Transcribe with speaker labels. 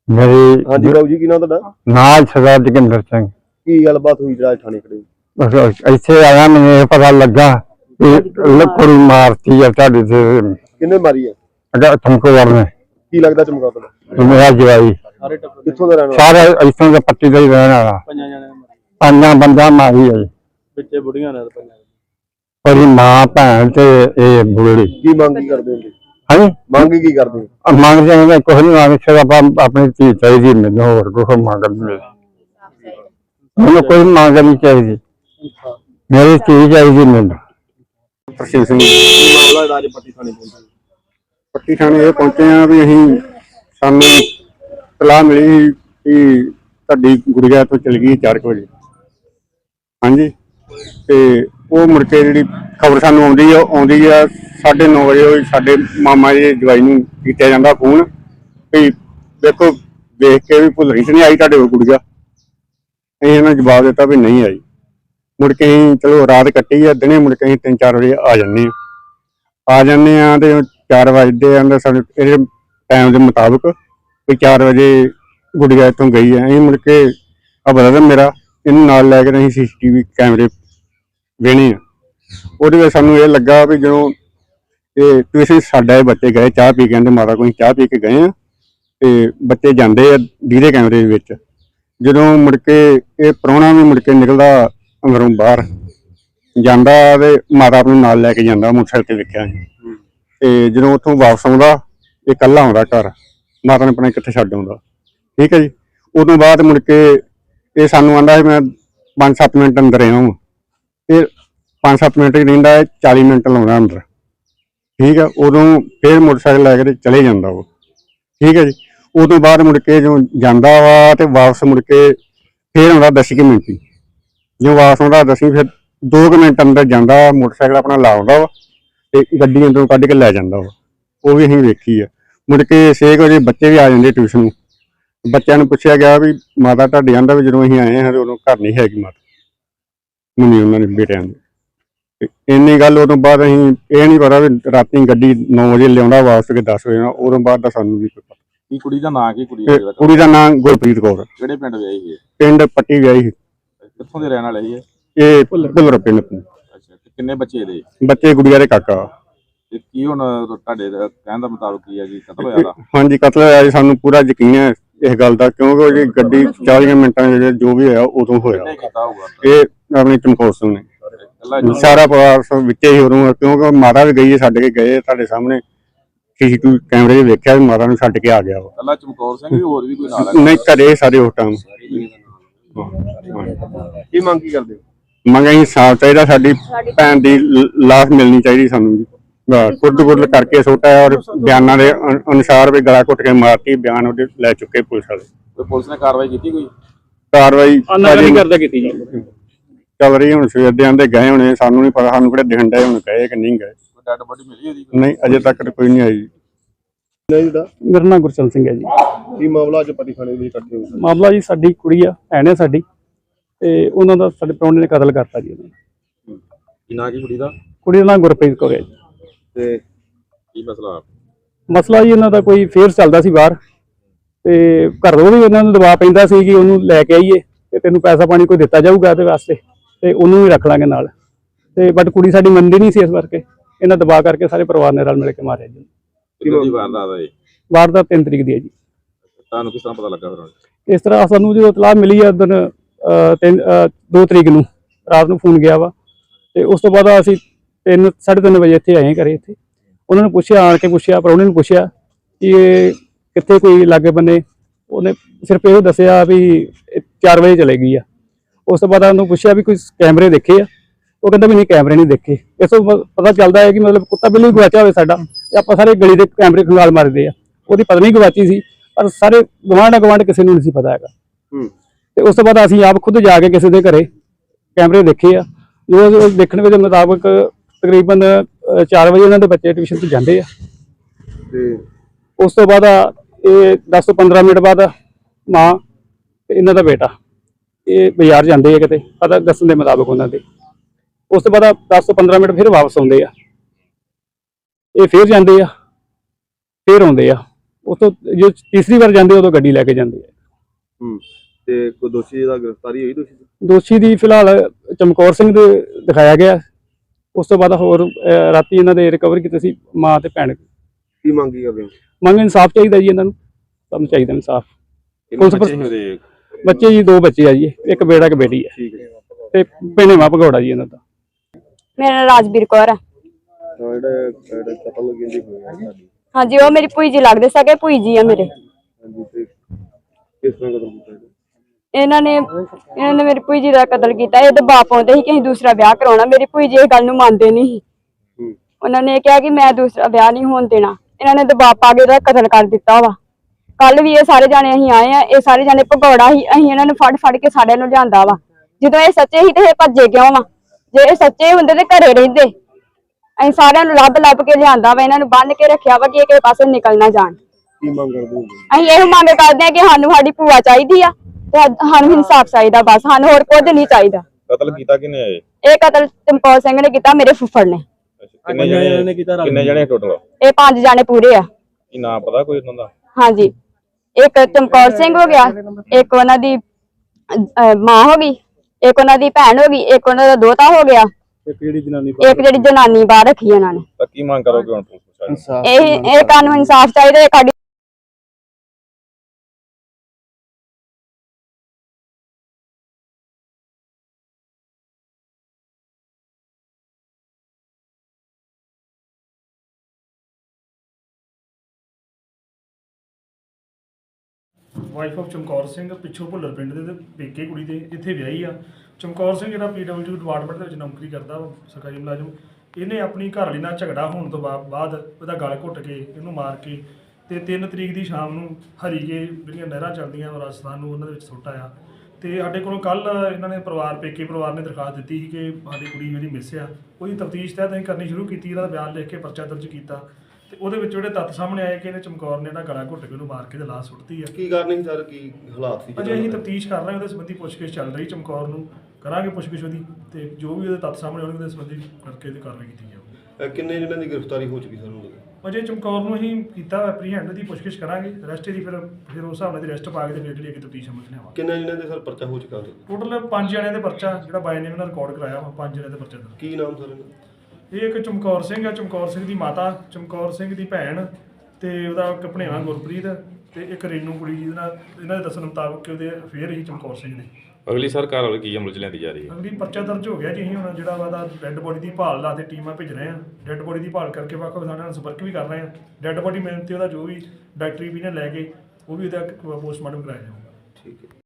Speaker 1: मेरी
Speaker 2: हाँ जी बाबू जी की नाम ਤੁਹਾਡਾ
Speaker 1: नाल सरदार जोगिंदर सिंह।
Speaker 2: ਕੀ ਗੱਲਬਾਤ ਹੋਈ ਜਿਹੜਾ ਥਾਣੇ ਖੜੇ
Speaker 1: इत्थे आया मैंने पता लगा कि कुड़ी मारती है साढ़े से
Speaker 2: ਕਿੰਨੇ ਮਾਰੀ ਹੈ
Speaker 1: चमकौर ने।
Speaker 2: ਕੀ ਲੱਗਦਾ ਚਮਕਾ ਤੁਹਾਡਾ
Speaker 1: मेरा जवाई
Speaker 2: ਕਿੱਥੋਂ ਦਾ ਰਹਿਣ ਵਾਲਾ
Speaker 1: सारे इतों के पट्टी का ही रहने वाला। पांच बंदा मारी है
Speaker 2: ਵਿੱਚੇ ਬੁੜੀਆਂ ਨੇ
Speaker 1: मेरी मां भैन ते बुढ़ी।
Speaker 2: ਕੀ ਮੰਗ ਕੀ ਕਰਦੇ ਹੋ
Speaker 1: हाँ
Speaker 2: ਮੰਗ ਕੀ ਕਰਦੇ ਹੋ
Speaker 1: मांगते हैं कुछ नहीं मांग सिर्फ अपनी धी चाहिए मैंने होर कुछ मंग मैंने कोई मांग नहीं चाहिए मेरी धी चाहिए मैंने।
Speaker 3: ਤਰਸੇਮ ਸਿੰਘ
Speaker 2: ਮਾਮਲਾ ਜਿਹੜਾ ਅੱਜ ਪੱਟੀ ਥਾਣੇ ਪਹੁੰਚਿਆ
Speaker 3: ਪੱਟੀ ਥਾਣੇ ਇਹ ਪਹੁੰਚੇ ਆ ਵੀ ਅਸੀਂ ਸਾਨੂੰ ਇਤਲਾਹ ਮਿਲੀ ਕਿ ਤੁਹਾਡੀ ਗੁੜੀਆ ਤੋਂ ਚਲ ਗਈ 4 ਵਜੇ। ਹਾਂਜੀ ਤੇ ਉਹ ਮੁੜ ਕੇ ਜਿਹੜੀ ਖਬਰ ਸਾਨੂੰ ਆਉਂਦੀ ਆ 9:30 ਵਜੇ ਉਹ ਸਾਡੇ ਮਾਮਾ ਜੀ ਜਵਾਈ ਨੂੰ ਕੀਤਾ ਜਾਂਦਾ ਫੋਨ ਵੀ ਦੇਖੋ ਦੇਖ ਕੇ ਵੀ ਭੁੱਲ ਰਹੀ ਨਹੀਂ ਆਈ ਤੁਹਾਡੇ ਕੋਲ ਗੁੜੀਆ। ਅਸੀਂ ਇਹਨਾਂ ਜਵਾਬ ਦਿੱਤਾ ਵੀ ਨਹੀਂ ਆਈ। ਮੁੜ ਕੇ ਅਸੀਂ ਚਲੋ ਰਾਤ ਕੱਟੀ ਆ ਦਿਨੇ ਮੁੜ ਕੇ ਅਸੀਂ 3-4 ਵਜੇ ਆ ਜਾਂਦੇ ਆ ਤੇ 4 ਵਜੇ ਆਂਦਾ ਸਾਡੇ ਇਹਦੇ ਟਾਈਮ ਦੇ ਮੁਤਾਬਕ ਵੀ 4 ਵਜੇ ਗੁੜੀਆ ਇੱਥੋਂ ਗਈ ਹੈ। ਅਸੀਂ ਮੁੜ ਕੇ ਆ ਬਦਲ ਮੇਰਾ ਇਹਨੂੰ ਨਾਲ ਲੈ ਕੇ ਅਸੀਂ CCTV ਕੈਮਰੇ ਵੇਣੇ ਆ। ਉਹਦੇ ਵਿੱਚ ਸਾਨੂੰ ਇਹ ਲੱਗਾ ਵੀ ਜਦੋਂ ਇਹ ਤੁਸੀਂ ਸਾਡਾ ਇਹ ਬੱਚੇ ਗਏ ਚਾਹ ਪੀ ਕੇ ਕਹਿੰਦੇ ਮਾਤਾ ਕੋਈ ਚਾਹ ਪੀ ਕੇ ਗਏ ਆ ਤੇ ਬੱਚੇ ਜਾਂਦੇ ਆ ਡੀਰੇ ਕੈਮਰੇ ਦੇ ਵਿੱਚ। ਜਦੋਂ ਮੁੜ ਕੇ ਇਹ ਪ੍ਰਾਹੁਣਾ ਵੀ ਮੁੜ ਕੇ ਨਿਕਲਦਾ ਅੰਦਰੋਂ ਬਾਹਰ ਜਾਂਦਾ ਤੇ ਮਾਤਾ ਨੂੰ ਨਾਲ ਲੈ ਕੇ ਜਾਂਦਾ ਮੋਟਰਸਾਈਕਲ ਤੇ ਵੇਖਿਆ ਸੀ। ਤੇ ਜਦੋਂ ਉੱਥੋਂ ਵਾਪਸ ਆਉਂਦਾ ਇਹ ਇਕੱਲਾ ਆਉਂਦਾ ਘਰ ਮਾਤਾ ਨੇ ਆਪਣਾ ਕਿੱਥੇ ਛੱਡ ਆਉਂਦਾ। ਠੀਕ ਹੈ ਜੀ। ਉਦੋਂ ਬਾਅਦ ਮੁੜ ਕੇ ਇਹ ਸਾਨੂੰ ਆਂਦਾ ਮੈਂ 5-7 ਮਿੰਟ ਅੰਦਰ ਆਇਆ ਹਾਂ। ਫਿਰ 5-7 ਮਿੰਟ ਹੀ ਰਹਿੰਦਾ 40 ਮਿੰਟ ਲਾਉਂਦਾ ਅੰਦਰ। ਠੀਕ ਹੈ। ਉਦੋਂ ਫਿਰ ਮੋਟਰਸਾਈਕਲ ਲੈ ਕੇ ਚਲੇ ਜਾਂਦਾ ਉਹ। ਠੀਕ ਹੈ ਜੀ। ਉਦੋਂ ਬਾਅਦ ਮੁੜ ਕੇ ਜਦੋਂ ਜਾਂਦਾ ਵਾ ਤੇ ਵਾਪਸ ਮੁੜ ਕੇ ਫਿਰ ਆਉਂਦਾ 10 ਮਿੰਟ ਹੀ। ਜੋ ਵਾਪਸ ਆਉਂਦਾ 10 ਫਿਰ 2 ਮਿੰਟ ਅੰਦਰ ਜਾਂਦਾ ਮੋਟਰਸਾਈਕਲ ਆਪਣਾ ਲਾਉਂਦਾ ਵਾ ਤੇ ਗੱਡੀ ਅੰਦਰੋਂ ਕੱਢ ਕੇ ਲੈ ਜਾਂਦਾ ਵਾ। ਉਹ ਵੀ ਅਸੀਂ ਵੇਖੀ ਆ। ਮੁੜ ਕੇ 6 ਵਜੇ ਬੱਚੇ ਵੀ ਆ ਜਾਂਦੇ ਟਿਊਸ਼ਨ ਨੂੰ। ਬੱਚਿਆਂ ਨੂੰ ਪੁੱਛਿਆ ਗਿਆ ਵੀ ਮਾਤਾ ਤੁਹਾਡੀ ਆਂਦਾ ਵੀ ਜਦੋਂ ਅਸੀਂ ਆਏ ਹਾਂ ਉਦੋਂ ਘਰ ਨਹੀਂ ਹੈਗੀ ਮਾਤਾ ਮੰਮੀ ਉਹਨਾਂ ਨੇ ਬੇਟਿਆਂ ਦੀ। ਤੇ ਇੰਨੀ ਗੱਲ ਉਦੋਂ ਬਾਅਦ ਅਸੀਂ ਇਹ ਨਹੀਂ ਪਤਾ ਵੀ ਰਾਤੀ ਗੱਡੀ 9 ਵਜੇ ਲਿਆਉਂਦਾ ਵਾਪਸ ਕੇ 10 ਵਜੇ ਉਦੋਂ ਬਾਅਦ ਦਾ ਸਾਨੂੰ ਵੀ ਪਤਾ।
Speaker 4: ਕੀ ਕੁੜੀ ਦਾ ਨਾਂ ਕੀ
Speaker 3: ਕੁੜੀ ਦਾ ਨਾਂ ਗੁਰਪ੍ਰੀਤ ਕੌਰ।
Speaker 4: ਕਿਹੜੇ ਪਿੰਡ ਵਿਆਹੀ ਹੈ?
Speaker 3: ਪਿੰਡ ਪੱਟੀ ਵਿਆਹੀ।
Speaker 4: ਕਿੱਥੋਂ ਦੇ ਰਹਿਣ ਵਾਲੇ ਹੈ?
Speaker 3: ਇਹ ਭੁੱਲਰ ਪਿੰਡ।
Speaker 4: ਅੱਛਾ ਤੇ ਕਿੰਨੇ ਬੱਚੇ ਇਹਦੇ?
Speaker 3: ਬੱਚੇ ਗੁੜੀਆ ਦੇ ਕਾਕਾ।
Speaker 4: ਤੇ ਕੀ ਹੁਣ ਤੁਹਾਡੇ ਕਹਿਣ ਦਾ ਮੁਤਾਬਕ ਕੀ ਹੈ ਜੀ ਕਤਲ ਹੋਇਆ ਦਾ?
Speaker 3: ਹਾਂਜੀ ਕਤਲ ਹੋਇਆ ਜੀ। ਸਾਨੂੰ ਪੂਰਾ ਯਕੀਨ ਹੈ ਇਸ ਗੱਲ ਦਾ ਕਿਉਂਕਿ ਉਹ ਗੱਡੀ 40 ਮਿੰਟਾਂ ਵਿੱਚ ਜੋ ਵੀ ਹੋਇਆ ਉਦੋਂ ਹੋਇਆ।
Speaker 4: ਕਿਹਨੇ ਕੀਤਾ ਹੋਊਗਾ?
Speaker 3: ਇਹ ਆਪਣੀ ਚਮਕੌਰ ਸਿੰਘ ਨੇ ਸਾਰਾ ਪਰਿਵਾਰ ਵਿੱਚ ਹੀ ਉਦੋਂ ਕਿਉਂਕਿ ਮਾਤਾ ਵੀ ਗਈ ਹੈ ਛੱਡ ਕੇ ਗਏ ਤੁਹਾਡੇ ਸਾਹਮਣੇ CCTV ਕੈਮਰੇ 'ਚ ਵੇਖਿਆ ਵੀ ਮਾਤਾ ਨੂੰ ਛੱਡ ਕੇ ਆ ਗਿਆ ਵਾ।
Speaker 4: ਕੱਲਾ ਚਮਕੌਰ ਸਿੰਘ ਵੀ ਹੋਰ ਵੀ ਕੋਈ ਨਾਲ ਹੈ?
Speaker 3: ਨਹੀਂ ਘਰੇ ਸਾਰੇ ਉਸ ਟਾਈਮ।
Speaker 2: ਕੀ ਮੰਗ ਕੀ ਕਰਦੇ ਹੋ
Speaker 3: ਮੰਗ ਅਸੀਂ ਸਾਫ ਚਾਹੀਦਾ ਸਾਡੀ ਭੈਣ ਦੀ ਲਾਸ਼ ਮਿਲਣੀ ਚਾਹੀਦੀ ਸਾਨੂੰ ਜੀ। ਕੁੱਟ ਕਰਕੇ ਸੁੱਟਿਆ ਔਰ ਬਿਆਨਾਂ ਦੇ ਅਨੁਸਾਰ ਵੀ ਗਲਾ ਘੁੱਟ ਕੇ ਮਾਰਤੀ। ਬਿਆਨ ਉਹਦੇ ਲੈ ਚੁੱਕੇ ਪੁਲਿਸ ਵਾਲੇ।
Speaker 4: ਕੋਈ ਪੁਲਿਸ ਨੇ ਕਾਰਵਾਈ ਕੀਤੀ? ਕੋਈ
Speaker 3: ਕਾਰਵਾਈ
Speaker 2: ਕਰਦਾ ਕੀਤੀ
Speaker 3: ਚੱਲ ਰਹੀ ਹੁਣ ਸਵੇਰ ਦੇ ਆਂਦੇ ਗਏ ਹੋਣੇ ਸਾਨੂੰ ਨਹੀਂ ਪਤਾ। ਸਾਨੂੰ ਕਿਹੜੇ ਦਿਖਣ ਡਏ ਹੁਣ ਗਏ ਕਿ ਨਹੀਂ ਗਏ।
Speaker 4: ਕੋਈ ਡੈਡ ਬੋਡੀ ਮਿਲੀ ਉਹਦੀ?
Speaker 3: ਨਹੀਂ ਅਜੇ ਤੱਕ ਕੋਈ ਨਹੀਂ ਆਈ।
Speaker 2: ਨਹੀਂ ਜਿਹੜਾ
Speaker 5: ਮੇਰਾ ਨਾਮ ਗੁਰਚਰਨ ਸਿੰਘ ਹੈ ਜੀ।
Speaker 2: ਕੀ ਮਾਮਲਾ ਅੱਜ ਪੱਟੀ ਥਾਣੇ ਵਿੱਚ ਇਕੱਠੇ ਹੋਏ
Speaker 5: ਮਾਮਲਾ ਜੀ ਸਾਡੀ ਕੁੜੀ ਆ ਭੈਣ ਹੈ ਸਾਡੀ ਤੇ ਉਹਨਾਂ ਦਾ ਸਾਡੇ ਪ੍ਰਾਹੁਣੇ ਨੇ ਕਤਲ ਕਰਤਾ ਜੀ। ਉਹਨਾਂ
Speaker 4: ਕੀ ਨਾਂ ਕੀ ਕੁੜੀ ਦਾ?
Speaker 5: ਕੁੜੀ ਦਾ ਨਾਮ ਗੁਰਪ੍ਰੀਤ ਕੌਰ ਹੈ ਜੀ।
Speaker 2: ਤੇ
Speaker 4: ਕੀ
Speaker 5: ਮਸਲਾ ਜੀ ਉਹਨਾਂ ਦਾ ਕੋਈ ਫੇਅਰ ਚੱਲਦਾ ਸੀ ਬਾਹਰ ਤੇ ਘਰ ਤੋਂ ਵੀ ਉਹਨਾਂ ਨੂੰ ਦਬਾਅ ਪੈਂਦਾ ਸੀ ਕਿ ਉਹਨੂੰ ਲੈ ਕੇ ਆਈਏ ਤੇ ਤੈਨੂੰ ਪੈਸਾ ਪਾਣੀ ਕੋਈ ਦਿੱਤਾ ਜਾਊਗਾ ਇਹਦੇ ਵਾਸਤੇ ਤੇ ਉਹਨੂੰ ਵੀ ਰੱਖ ਲਾਂਗੇ ਨਾਲ। ਤੇ ਬਟ ਕੁੜੀ ਸਾਡੀ ਮੰਨਦੀ ਨਹੀਂ ਸੀ ਇਸ ਕਰਕੇ ਇਹਨਾਂ ਦਬਾਅ ਕਰਕੇ ਸਾਰੇ ਪਰਿਵਾਰ ਨੇ ਰਲ ਮਿਲ ਕੇ ਮਾਰਿਆ ਜੀ।
Speaker 4: ਕਿਹਦੀ ਵਾਰਦਾਤ ਹੈ?
Speaker 5: ਵਾਰਦਾਤ 3 ਤਰੀਕ ਦੀ ਹੈ ਜੀ।
Speaker 4: ਤੁਹਾਨੂੰ ਕਿਸ ਤਰ੍ਹਾਂ ਪਤਾ ਲੱਗਾ ਫਿਰ?
Speaker 5: ਇਸ ਤਰ੍ਹਾਂ ਸਾਨੂੰ ਜਦੋਂ ਇਤਲਾਹ ਮਿਲੀ ਹੈ ਦਿਨ 2 ਤਰੀਕ ਨੂੰ ਰਾਤ ਨੂੰ ਫੋਨ ਗਿਆ ਵਾ ਤੇ ਉਸ ਤੋਂ ਬਾਅਦ ਅਸੀਂ 3-3:30 ਵਜੇ ਇੱਥੇ ਆਏ ਘਰੇ। ਇੱਥੇ ਉਹਨਾਂ ਨੂੰ ਪੁੱਛਿਆ ਆਣ ਕੇ ਪੁੱਛਿਆ ਪ੍ਰਾਹੁਣੇ ਨੂੰ ਪੁੱਛਿਆ ਕਿ ਇਹ ਕਿੱਥੇ ਕੋਈ ਲਾਗੇ ਬੰਨੇ। ਉਹਨੇ ਸਿਰਫ ਇਹੋ ਦੱਸਿਆ ਵੀ 4 ਵਜੇ ਚਲੇ ਗਈ ਆ। ਉਸ ਤੋਂ ਬਾਅਦ ਉਹਨੂੰ ਪੁੱਛਿਆ ਵੀ ਕੋਈ ਕੈਮਰੇ ਦੇਖੇ ਆ? ਉਹ ਕਹਿੰਦਾ ਵੀ ਨਹੀਂ ਕੈਮਰੇ ਨਹੀਂ ਦੇਖੇ। ਇਸ ਤੋਂ ਪਤਾ ਚੱਲਦਾ ਹੈ ਕਿ ਮਤਲਬ ਕੁੱਤਾ ਬਿੱਲੀ ਗਵਾਚਿਆ ਹੋਵੇ ਸਾਡਾ ਤੇ ਆਪਾਂ ਸਾਰੇ ਗਲੀ ਦੇ ਕੈਮਰੇ ਖੰਗਾਲ ਮਾਰਦੇ ਆ। ਉਹਦੀ ਪਤਨੀ ਗਵਾਚੀ ਸੀ ਪਰ ਸਾਰੇ ਗਵਾਂਢ ਕਿਸੇ ਨੂੰ ਨਹੀਂ ਸੀ ਪਤਾ ਹੈਗਾ। ਤੇ ਉਸ ਤੋਂ ਬਾਅਦ ਅਸੀਂ ਆਪ ਖੁਦ ਜਾ ਕੇ ਕਿਸੇ ਦੇ ਘਰੇ ਕੈਮਰੇ ਦੇਖੇ ਆ। ਜੋ ਦੇਖਣ ਦੇ ਮੁਤਾਬਕ ਤਕਰੀਬਨ 4 ਵਜੇ ਇਹਨਾਂ ਦੇ ਬੱਚੇ ਟਿਊਸ਼ਨ ਤੇ ਜਾਂਦੇ ਆ ਤੇ ਉਸ ਤੋਂ ਬਾਅਦ ਇਹ 10 ਤੋਂ 15 ਮਿੰਟ ਬਾਅਦ ਮਾਂ ਤੇ ਇਹਨਾਂ ਦਾ ਬੇਟਾ ਇਹ ਬਾਜ਼ਾਰ ਜਾਂਦੇ ਆ ਕਿਤੇ ਪਤਾ ਦੱਸਣ ਦੇ ਮੁਤਾਬਕ ਉਹਨਾਂ ਦੇ। ਉਸ ਤੋਂ ਬਾਅਦ 10 ਤੋਂ 15 ਮਿੰਟ ਫਿਰ ਵਾਪਸ ਆਉਂਦੇ ਆ। ਇਹ ਫਿਰ ਜਾਂਦੇ ਆ ਫਿਰ ਆਉਂਦੇ ਆ। ਉਸ ਤੋਂ ਜੋ ਤੀਸਰੀ ਵਾਰ ਜਾਂਦੇ ਉਦੋਂ ਗੱਡੀ ਲੈ ਕੇ ਜਾਂਦੇ ਆ।
Speaker 2: ਤੇ ਕੋਈ ਦੋਸ਼ੀ ਦਾ ਗ੍ਰਿਫਤਾਰੀ ਹੋਈ
Speaker 5: ਦੋਸ਼ੀ ਦੀ ਫਿਲਹਾਲ ਚਮਕੌਰ ਸਿੰਘ ਦੇ ਦਿਖਾਇਆ ਗਿਆ। ਉਸ ਤੋਂ ਬਾਅਦ ਹੋਰ ਰਾਤੀ ਇਹਨਾਂ ਦੇ ਰਿਕਵਰ ਕੀਤੇ ਸੀ ਮਾਂ ਤੇ ਭੈਣ।
Speaker 2: ਕੀ ਮੰਗੀ ਕਰਦੇ ਹੋ?
Speaker 5: ਮੰਗ ਇਨਸਾਫ ਚਾਹੀਦਾ ਜੀ, ਇਹਨਾਂ ਨੂੰ ਸਾਨੂੰ ਚਾਹੀਦਾ ਇਨਸਾਫ। ਬੱਚੇ ਜੀ 2 ਬੱਚੇ ਆ ਜੀ, ਇੱਕ ਬੇੜਾ ਇੱਕ ਬੇਟੀ ਹੈ
Speaker 2: ਠੀਕ ਹੈ
Speaker 5: ਤੇ ਭੈਣੇਵਾ ਭਗੌੜਾ ਜੀ ਇਹਨਾਂ ਦਾ।
Speaker 6: ਮੇਰਾ ਨਾਮ ਰਾਜਵੀਰ ਕੌਰ ਹੈ।
Speaker 2: ਜਿਹੜਾ ਕਤਲ ਕਹਿੰਦੀ ਹੋਇਆ ਸਾਡੀ,
Speaker 6: ਹਾਂਜੀ, ਉਹ ਮੇਰੀ ਭੂਈ ਜੀ ਲੱਗਦੇ ਸਕੇ, ਭੂਈ ਜੀ ਆ ਮੇਰੇ।
Speaker 2: ਹਾਂਜੀ, ਤੇ ਕਿਸ ਤਰ੍ਹਾਂ ਕਤਲ ਕੀਤਾ ਜੀ?
Speaker 6: ਇਹਨਾਂ ਨੇ ਮੇਰੀ ਭੂਈ ਜੀ ਦਾ ਕਤਲ ਕੀਤਾ। ਇਹ ਦਬਾਅ ਪਾਉਂਦੇ ਸੀ ਕਿ ਅਸੀਂ ਦੂਸਰਾ ਵਿਆਹ ਕਰਾਉਣਾ। ਮੇਰੀ ਭੂਈ ਜੀ ਇਹ ਗੱਲ ਨੂੰ ਮੰਨਦੇ ਨਹੀਂ ਸੀ। ਉਹਨਾਂ ਨੇ ਕਿਹਾ ਕਿ ਮੈਂ ਦੂਸਰਾ ਵਿਆਹ ਨਹੀਂ ਹੋਣ ਦੇਣਾ। ਇਹਨਾਂ ਨੇ ਦਬਾਅ ਪਾ ਕੇ ਉਹਦਾ ਕਤਲ ਕਰ ਦਿੱਤਾ ਵਾ। ਕੱਲ ਵੀ ਇਹ ਸਾਰੇ ਜਾਣੇ ਅਸੀਂ ਆਏ ਆ, ਇਹ ਸਾਰੇ ਜਾਣੇ ਭਗੌੜਾ ਹੀ, ਅਸੀਂ ਇਹਨਾਂ ਨੂੰ ਫੜ ਕੇ ਸਾਰਿਆਂ ਨੂੰ ਲਿਆਂਦਾ ਵਾ। ਜਦੋਂ ਇਹ ਸੱਚੇ ਸੀ ਤੇ ਇਹ ਭੱਜੇ ਕਿਉਂ ਵਾ? ਜੇ ਇਹ ਸੱਚੇ ਹੁੰਦੇ ਤੇ ਘਰੇ ਰਹਿੰਦੇ। ਅਸੀਂ ਸਾਰਿਆਂ ਨੂੰ ਲੱਭ ਕੇ ਲਿਆਂਦਾ ਵਾ, ਇਹਨਾਂ ਨੂੰ ਬੰਨ੍ਹ ਕੇ ਰੱਖਿਆ ਵਾ ਕਿ ਇਹ ਕਿਸੇ ਪਾਸੇ ਨਿਕਲ ਨਾ ਜਾਣ।
Speaker 2: ਕੀ ਮੰਗ ਕਰਦੇ ਹੋ?
Speaker 6: ਅਸੀਂ ਇਹੋ ਮੰਗ ਕਰਦੇ ਹਾਂ ਕਿ ਸਾਨੂੰ ਸਾਡੀ ਭੂਆ ਚਾਹੀਦੀ ਆ ਤੇ ਸਾਨੂੰ ਇਨਸਾਫ ਚਾਹੀਦਾ, ਬਸ ਸਾਨੂੰ ਹੋਰ ਕੁਝ ਨਹੀਂ ਚਾਹੀਦਾ।
Speaker 4: ਕਤਲ ਕੀਤਾ ਕਿਨੇ ਆਏ?
Speaker 6: ਇਹ ਕਤਲ ਚਮਕੌਰ ਸਿੰਘ ਨੇ ਕੀਤਾ, ਮੇਰੇ ਫੁੱਫੜ ਨੇ।
Speaker 4: ਕਿੰਨੇ ਜਣੇ ਟੋਟਲ?
Speaker 6: ਇਹ 5 ਜਾਣੇ ਪੂਰੇ ਆ।
Speaker 4: ਕੀ ਨਾਮ ਪਤਾ ਕੋਈ ਉਹਨਾਂ ਦਾ?
Speaker 6: ਹਾਂਜੀ, ਇੱਕ ਚਮਕੌਰ ਸਿੰਘ ਹੋ ਗਿਆ, ਇੱਕ ਉਹਨਾਂ ਦੀ ਮਾਂ ਹੋ ਗਈ, ਇੱਕ ਉਹਨਾਂ ਦੀ ਭੈਣ ਹੋ ਗਈ, ਇੱਕ ਉਹਨਾਂ ਦਾ ਦੋਤਾ ਹੋ ਗਿਆ, ਇੱਕ ਜਿਹੜੀ ਜਨਾਨੀ ਬਾਹਰ ਰੱਖੀ ਇਹਨਾਂ ਨੇ।
Speaker 4: ਤਾਂ ਕੀ ਮੰਗ ਕਰੋਗੇ ਹੁਣ ਪੁਲਿਸ ਪ੍ਰਸ਼ਾਸਨ?
Speaker 6: ਇਹ ਕਾਨੂੰਨ ਇਨਸਾਫ ਚਾਹੀਦਾ ਹੈ। ਸਾਡੀ
Speaker 7: ਵਾਈਫ ਆਫ ਚਮਕੌਰ ਸਿੰਘ, ਪਿੱਛੋਂ ਭੁੱਲਰ ਪਿੰਡ ਦੇ ਪੇਕੇ ਕੁੜੀ ਦੇ ਇੱਥੇ ਵਿਆਹੀ ਆ। ਚਮਕੌਰ ਸਿੰਘ ਜਿਹੜਾ PWD ਡਿਪਾਰਟਮੈਂਟ ਦੇ ਵਿੱਚ ਨੌਕਰੀ ਕਰਦਾ ਵਾ, ਸਰਕਾਰੀ ਮੁਲਾਜ਼ਮ। ਇਹਨੇ ਆਪਣੀ ਘਰਵਾਲੀ ਨਾਲ ਝਗੜਾ ਹੋਣ ਤੋਂ ਬਾਅਦ ਉਹਦਾ ਗਲ ਘੁੱਟ ਕੇ ਇਹਨੂੰ ਮਾਰ ਕੇ ਤੇ 3 ਤਰੀਕ ਦੀ ਸ਼ਾਮ ਨੂੰ ਹਰੀਕੇ ਜਿਹੜੀਆਂ ਨਹਿਰਾਂ ਚੱਲਦੀਆਂ ਰਾਜਸਥਾਨ ਨੂੰ ਉਹਨਾਂ ਦੇ ਵਿੱਚ ਸੁੱਟ ਆਇਆ। ਤੇ ਸਾਡੇ ਕੋਲੋਂ ਕੱਲ ਇਹਨਾਂ ਨੇ ਪੇਕੇ ਪਰਿਵਾਰ ਨੇ ਦਰਖਾਸਤ ਦਿੱਤੀ ਸੀ ਕਿ ਸਾਡੀ ਕੁੜੀ ਜਿਹੜੀ ਮਿਸ ਆ, ਉਹਦੀ ਤਫਤੀਸ਼ ਤਹਿਤ ਅਸੀਂ ਕਰਨੀ ਸ਼ੁਰੂ ਕੀਤੀ। ਇਹਦਾ ਬਿਆਨ ਲਿਖ ਕੇ ਪਰਚਾ ਦਰਜ ਕੀਤਾ ਤੇ ਉਹਦੇ ਵਿੱਚ ਜਿਹੜੇ ਤੱਥ ਸਾਹਮਣੇ ਆਏ ਕਿ ਇਹਨੇ ਚਮਕੌਰ ਨੇ ਜਿਹੜਾ ਗਲਾ ਘੁੱਟ ਕੇ ਉਹਨੂੰ ਮਾਰ ਕੇ ਤੇ ਲਾਸ਼ ਸੁੱਟਤੀ ਆ।
Speaker 2: ਕੀ ਕਾਰਨ ਸੀ ਸਰ? ਕੀ ਹਾਲਾਤ ਸੀ?
Speaker 7: ਅਜੇ ਅਸੀਂ ਤਫਤੀਸ਼ ਕਰ ਰਹੇ ਹਾਂ, ਉਹਦੇ ਸੰਬੰਧੀ ਪੁੱਛਗਿੱਛ ਚੱਲ ਰਹੀ। ਚਮਕੌਰ ਨੂੰ ਕਰਾਂਗੇ ਪੁੱਛਗਿੱਛ ਉਹਦੀ, ਤੇ ਜੋ ਵੀ ਉਹਦੇ ਤੱਥ ਸਾਹਮਣੇ ਆਉਣਗੇ ਉਹਦੇ ਸੰਬੰਧੀ ਕਰਕੇ ਇਹਦੀ ਕਾਰਵਾਈ ਕੀਤੀ ਜਾਊਗੀ।
Speaker 2: ਕਿੰਨੇ ਜਿਹਨਾਂ ਦੀ ਗ੍ਰਿਫਤਾਰੀ ਹੋ ਚੁੱਕੀ ਸਰ?
Speaker 7: ਅਜੇ ਚਮਕੌਰ ਨੂੰ ਅਸੀਂ ਕੀਤਾ ਐਪਰੀਹੈਂਡ ਦੀ ਪੁੱਛਗਿੱਛ ਕਰਾਂਗੇ, ਅਰੈਸਟ ਦੀ ਫਿਰ ਉਸ ਹਿਸਾਬ ਨਾਲ ਦੀ ਅਰੈਸਟ ਪਾ ਕੇ ਤੇ ਫਿਰ ਜਿਹੜੀ ਅੱਗੇ ਤਫਤੀਸ਼ ਸਮਝ ਲਿਆਵਾਂਗੇ।
Speaker 2: ਕਿੰਨੇ ਜਿਹਨਾਂ ਦੇ ਸਰ ਪਰਚਾ ਹੋ ਚੁੱਕਾ?
Speaker 7: ਟੋਟਲ 5 ਜਣਿਆਂ ਦੇ ਪਰਚਾ ਜਿਹੜਾ ਬਾਈ ਨੇ ਇਹਨਾਂ ਰਿਕਾਰਡ ਕਰਾਇਆ ਵਾ, 5 ਜਣਿਆਂ ਦੇ ਪਰਚਾ ਦਾ।
Speaker 2: ਕੀ ਨਾਮ ਸਰ ਇਹਨਾਂ?
Speaker 7: ਇਹ ਇੱਕ ਚਮਕੌਰ ਸਿੰਘ ਆ, ਚਮਕੌਰ ਸਿੰਘ ਦੀ ਮਾਤਾ, ਚਮਕੌਰ ਸਿੰਘ ਦੀ ਭੈਣ ਤੇ ਉਹਦਾ ਇੱਕ ਭਣੇਵਾਂ ਗੁਰਪ੍ਰੀਤ ਤੇ ਇੱਕ ਰੇਨੂ ਕੁੜੀ, ਜਿਹਦੇ ਨਾਲ ਇਹਨਾਂ ਦੇ ਦੱਸਣ ਮੁਤਾਬਕ ਕਿ ਉਹਦੇ ਅਫੇਅਰ ਹੀ ਚਮਕੌਰ ਸਿੰਘ ਦੇ।
Speaker 4: ਅਗਲੀ ਸਰਕਾਰ ਵੱਲ ਕੀ ਅਮਲ ਚ ਲਿਆਂਦੀ ਜਾ ਰਹੀ ਹੈ?
Speaker 7: ਅਗਲੀ ਪਰਚਾ ਦਰਜ ਹੋ ਗਿਆ ਜੀ। ਅਸੀਂ ਹੁਣ ਜਿਹੜਾ ਵਾ ਡੈੱਡ ਬੋਡੀ ਦੀ ਭਾਲ ਲਾ ਤੇ ਟੀਮਾਂ ਭੇਜ ਰਹੇ ਹਾਂ। ਡੈੱਡ ਬੋਡੀ ਦੀ ਭਾਲ ਕਰਕੇ ਵੱਖ ਸਾਡੇ ਨਾਲ ਸੰਪਰਕ ਵੀ ਕਰ ਰਹੇ ਹਾਂ। ਡੈੱਡ ਬੋਡੀ ਮਿਲਣ ਤੇ ਉਹਦਾ ਜੋ ਵੀ ਡਾਕਟਰੀ ਵੀ ਨੇ ਲੈ ਕੇ ਉਹ ਵੀ ਉਹਦਾ ਪੋਸਟਮਾਰਟਮ ਕਰਾਇਆ ਜਾਊਗਾ।
Speaker 2: ਠੀਕ ਹੈ।